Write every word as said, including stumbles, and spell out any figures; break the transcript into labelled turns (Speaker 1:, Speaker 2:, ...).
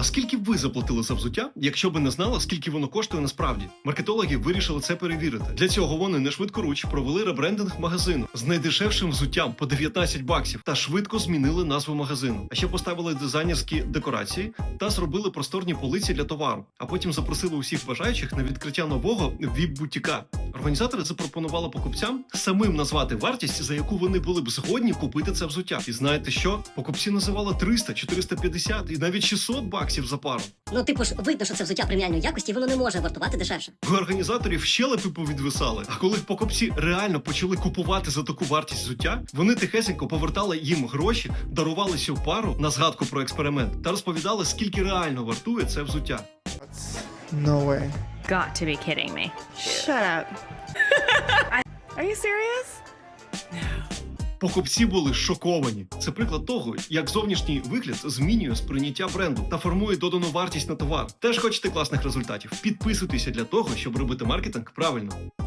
Speaker 1: А скільки б ви заплатили за взуття, якщо б не знали, скільки воно коштує насправді? Маркетологи вирішили це перевірити. Для цього вони не швидкоруч провели ребрендинг магазину з найдешевшим взуттям по дев'ятнадцять баксів та швидко змінили назву магазину. А ще поставили дизайнерські декорації та зробили просторні полиці для товару. А потім запросили усіх бажаючих на відкриття нового віп-бутіка. Організатори запропонували покупцям самим назвати вартість, за яку вони були б згодні купити це взуття. І знаєте що? Покупці називали триста, чотириста п'ятдесят і навіть шістсот баксів за пару.
Speaker 2: Ну, типу ж, видно, що це взуття преміальної якості, і воно не може вартувати дешевше.
Speaker 1: У організаторів щелепи повідвисали, а коли покупці реально почали купувати за таку вартість взуття, вони тихесенько повертали їм гроші, дарували цю пару на згадку про експеримент та розповідали, скільки реально вартує це взуття.
Speaker 3: No way.
Speaker 4: Got to be kidding me.
Speaker 5: Shut up. Are you serious?
Speaker 1: Покупці були шоковані. Це приклад того, як зовнішній вигляд змінює сприйняття бренду та формує додану вартість на товар. Теж хочете класних результатів? Підписуйтеся для того, щоб робити маркетинг правильно.